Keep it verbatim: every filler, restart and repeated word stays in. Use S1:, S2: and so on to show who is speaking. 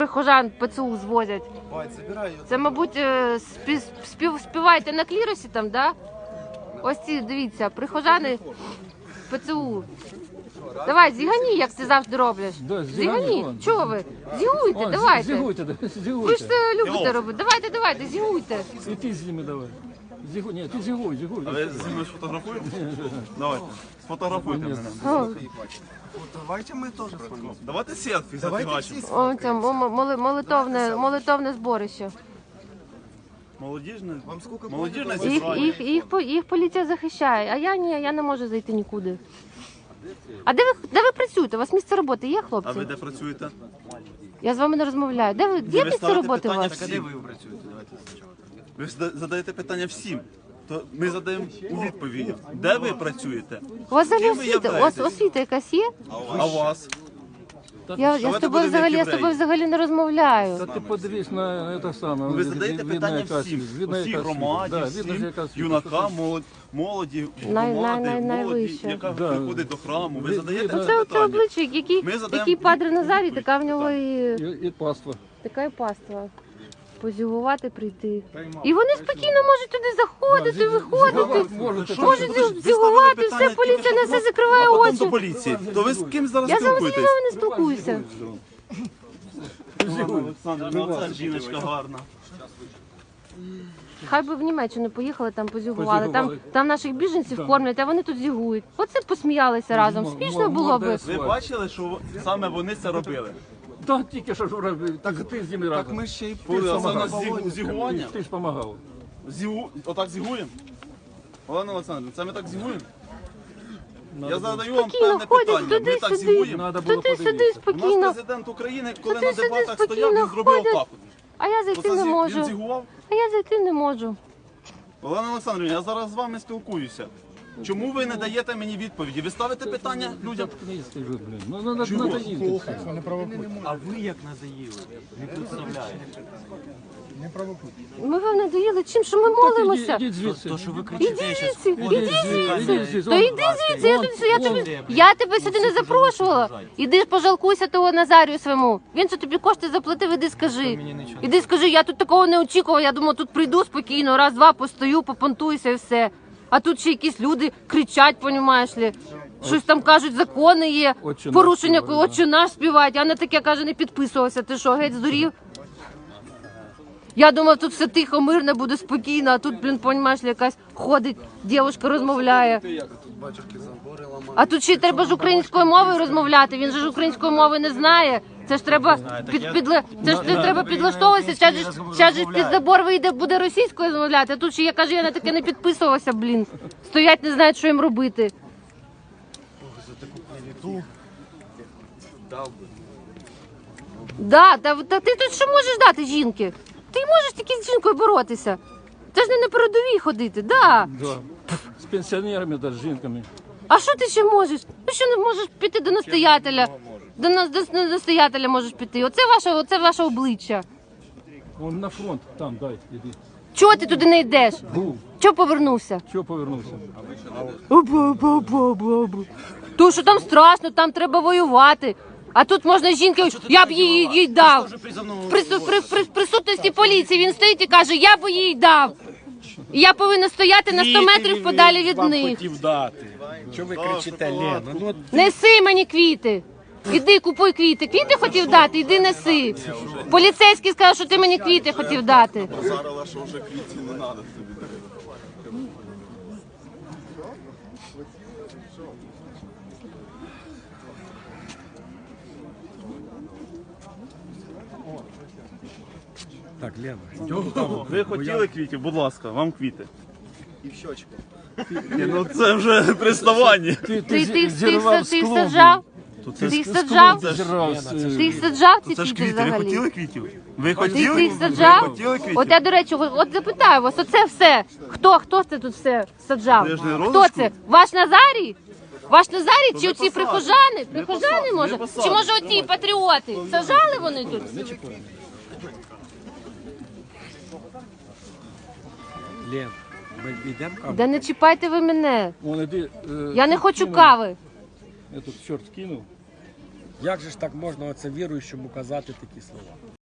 S1: Прихожан ПЦУ звозять. Це, мабуть, спів, спів, співаєте на кліросі там, да? Ось ці, дивіться, прихожани ПЦУ. Давай, зігані, як ти завжди роблиш.
S2: Да,
S1: зігані. Чого ви? Зігуйте,
S2: О,
S1: давайте.
S2: Зігуйте, зігуйте.
S1: Ви ж це любите робити. Давайте, давайте, зігуйте.
S2: І ти з ними давай. Зігуй, ні, ти зігуй, зігуй.
S3: А ви зі мною сфотографуєте? Давайте, сфотографуйте мене.
S1: О,
S4: Давайте мы тоже с вами.
S3: Давайте селфі зафігачимо.
S1: о, це моли- молитовне, молитовне зборище.
S3: Молодіжне,
S4: Вам сколько
S3: молодіжне
S1: Їх,
S3: зібрання.
S1: їх, їх, по- їх поліція захищає, а я ні, я не можу зайти нікуди. А де ви, де ви працюєте? У вас місце роботи є,
S3: А
S1: хлопці?
S3: ви де працюєте?
S1: Я з вами не розмовляю. Де ви, є
S3: ви
S1: місце
S3: ставите
S1: роботи у
S3: питання
S1: вас?
S3: всім.
S4: Де ви працюєте? Давайте спочатку.
S3: Ви ж зада- задаєте питання всім. То ми задаємо у відповіді. Де ви працюєте?
S1: У вас взагалі
S3: Ким ви
S1: освіта, у вас
S3: являєтесь?
S1: освіта якась є?
S3: А у вас?
S1: Я, я, з
S3: Давайте
S1: тобою
S3: будемо
S1: взагалі,
S3: як
S1: я з тобою
S3: євреї.
S1: взагалі не розмовляю.
S2: Та ти подивись на це саме.
S3: Ви задаєте
S2: видно,
S3: питання
S2: яка
S3: всім.
S2: світ, видно,
S3: Усій
S2: яка світ.
S3: громаді,
S2: Да, видно, ж,
S3: всім
S2: яка світ.
S3: юнакам, молоді, молоді,
S1: Най- най-
S3: громади,
S1: най-
S3: молоді,
S1: найвище.
S3: яка
S2: Да.
S3: приходить до храму. Ви
S2: Ви-
S3: задаєте
S2: ви-
S3: це
S1: Це оце
S3: питання.
S1: обличчя, який,
S3: Ми задаємо
S1: який падре
S3: відповідь.
S1: Назарій, така в нього і
S2: І, і паства.
S1: така і паства. Позігувати прийти. І вони спокійно можуть туди заходити, виходити.
S2: Можете.
S1: Можуть
S3: Ви ставили
S1: зігувати,
S3: питання,
S1: все, поліція на
S3: тільки
S1: все
S3: що
S1: закриває
S3: а потім
S1: очі.
S3: до поліції. То ви з ким зараз
S1: Я з вами з
S3: спілкуєтесь?
S1: вами не спілкуюся.
S3: Іван Олександрович, ну це жіночка гарна.
S1: Хай би в Німеччину поїхали, там позігували. Там,
S2: Позігували.
S1: там наших біженців
S2: Да.
S1: кормлять, а вони тут зігують. Оце б посміялися разом.
S2: М-
S1: Смішно
S2: м-
S1: було би.
S2: молодець.
S3: Ви бачили, що саме вони це робили?
S2: Та тільки що ж робив, так ти з ними
S4: Так
S2: разом.
S4: ми ще й
S3: Коли це у нас
S4: помогали.
S3: зігу- зігування?
S2: Ти ж допомагав.
S3: Зігу... Отак зігуємо? Олена Олександровна, це ми так зігуємо? Я задаю вам
S1: Спокійно
S3: певне
S1: ходять
S3: питання. Ми так
S1: туди-сюди.
S3: зігуємо?
S2: Надо було
S1: Туди-сюди
S2: подивитися.
S3: У нас
S1: спокійно.
S3: президент України, коли на
S1: Туди-сюди
S3: дебатах стояв,
S1: спокійно
S3: він зробив
S1: ходять.
S3: отак.
S1: А я
S3: от.
S1: зайти
S3: Оце
S1: не
S3: зі- Він
S1: можу.
S3: зігував?
S1: А я зайти не можу.
S3: Олена Олександрівна, я зараз з вами спілкуюся. Чому ви не даєте мені відповіді? Ви ставите питання людям?
S2: Заткнись, ти ж, блін. Ну, надо, надо їсти.
S5: А ви як надоїли? Не представляєте.
S1: Ми вам не доїли чим, що ми молимося.
S2: Ідіть звідси.
S5: То, що ви
S1: Іди
S5: кричите, я
S1: звідси,
S5: щас
S1: іди
S2: Ідіть звідси.
S1: То йди звідси, я, тут, я, тобі, я тебе сюди не запрошувала. Іди ж пожалкуйся того Назарію своєму. Він що тобі кошти заплатив, іди скажи. Іди скажи, я тут такого не очікувала, я думала, тут прийду спокійно, раз-два постою, попонтуюся і все. А тут ще якісь люди кричать, понімаєш ли. Щось там кажуть, закони є,
S2: Отче наш
S1: порушення,
S2: співають,
S1: отче наш співають, а на таке, каже, не підписувався. Ти що, геть здурів? Я думав, тут все тихо, мирно, буде спокійно, а тут, блін, понімаєш, якась ходить, дівчинка розмовляє. А тут ще й треба ж українською мовою розмовляти, він же ж української мови не знає. Це ж треба під, підле... це ж не треба підлаштовуватися, зараз ж, зараз ж під забор вийде, буде російською розмовляти, а тут ще я кажу, я на таке не підписувався, блін. Стоять, не знають, що їм робити. Да, та, та ти тут що можеш дати жінки? Ти можеш тільки з жінкою боротися. Це ж не на передовій ходити, да.
S2: Да. З пенсіонерами, да, з жінками.
S1: А що ти ще можеш? Ти що не можеш піти до настоятеля? До нас до настоятеля можеш піти. Оце ваше, оце ваше обличчя.
S2: Он на фронт, там, дай, іди.
S1: Чого ти туди не йдеш?
S2: Був.
S1: Чого повернувся?
S2: Чого повернувся?
S1: Бу-бу-бу-бу-бу. То, що там страшно, там треба воювати. А тут можна жінки, я б їй, їй дав. В прису- при, при, присутності поліції він стоїть і каже, я б їй дав. І я повинна стояти на сто метрів подалі від них.
S5: хотів дати. Чого ви кричите, Лена? Ну,
S1: Неси мені квіти. Іди купуй квіти. Квіти хотів дати, іди неси. Поліцейський сказав, що ти мені квіти хотів дати.
S3: Базарила, що вже квітів не треба тобі.
S5: так, Лена.
S3: Ви хотіли квітів, будь ласка, вам квіти. І в щочку. Ну це вже приставання.
S2: Ти,
S1: Ти, ти, ти,
S2: зірвав
S1: ти їх
S2: склон.
S1: саджав?
S3: Це
S1: Ти їх
S3: ж-
S1: саджав?
S3: Це ж,
S2: Зірвав, е,
S1: Ти їх саджав ці
S3: це ж
S1: квіти
S3: квіти. Ви
S1: взагалі?
S3: хотіли квітів? Ви
S1: Ти,
S3: хотіли?
S1: ти їх
S3: Ви
S1: саджав?
S3: хотіли квітів?
S1: От я, до речі, от от запитаю вас, оце все. Хто, хто це тут все саджав?
S3: Ви ж не
S1: Хто
S3: розочку?
S1: це? Ваш Назарій? Ваш Назарій чи
S3: ви
S1: оці
S3: посадите.
S1: прихожани? Прихожани,
S3: посадите,
S1: може?
S3: ви
S1: Чи
S3: посадите.
S1: може оці патріоти? Саджали вони тут?
S5: Лен, ми йдемо каву?
S1: Да не чіпайте ви мене.
S2: Вон, іди, е,
S1: Я не
S2: тут
S1: хочу
S2: кинув.
S1: кави.
S2: Я тут чорт кинув.
S5: Як же ж так можна оце віруючому казати такі слова?